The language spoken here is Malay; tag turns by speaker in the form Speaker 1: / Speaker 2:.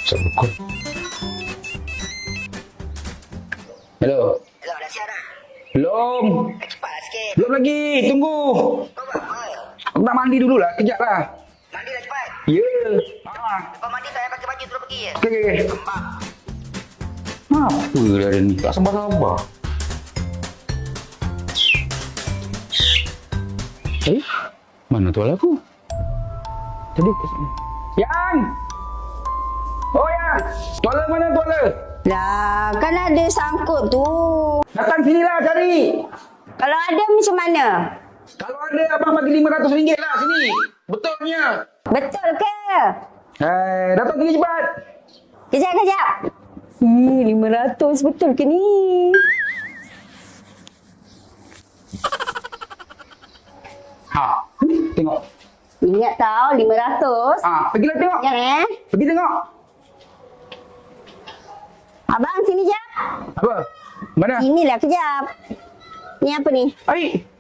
Speaker 1: Sebut. Hello.
Speaker 2: Hello, dah siap dah?
Speaker 1: Belum.
Speaker 2: Cepat lah sikit.
Speaker 1: Belum lagi. Tunggu.
Speaker 2: Kau buat apa?
Speaker 1: Aku nak mandi dulu lah. Kejap lah.
Speaker 2: Mandi lah cepat.
Speaker 1: Ya.
Speaker 2: Lepas mandi tak payah pakai baju terus pergi je.
Speaker 1: Okey.
Speaker 2: Kembang.
Speaker 1: Apa dah ada ni? Tak sabar-sabar. Mana tuan aku? Tadi Yang! Oh Yang! Tuala mana tuala?
Speaker 3: Lah, kan ada sangkut tu.
Speaker 1: Datang sinilah cari.
Speaker 3: Kalau ada macam mana?
Speaker 1: Kalau ada abang bagi RM500 lah sini. Betulnya.
Speaker 3: Betul ke?
Speaker 1: Datang sini cepat.
Speaker 3: Kejap. 500 betul ke ni?
Speaker 1: Tengok.
Speaker 3: Ingat tau 500.
Speaker 1: Pergilah tengok.
Speaker 3: Jangan
Speaker 1: Pergi tengok.
Speaker 3: Abang sini jap.
Speaker 1: Apa? Mana?
Speaker 3: Inilah kejap. Ni apa ni?
Speaker 1: Air.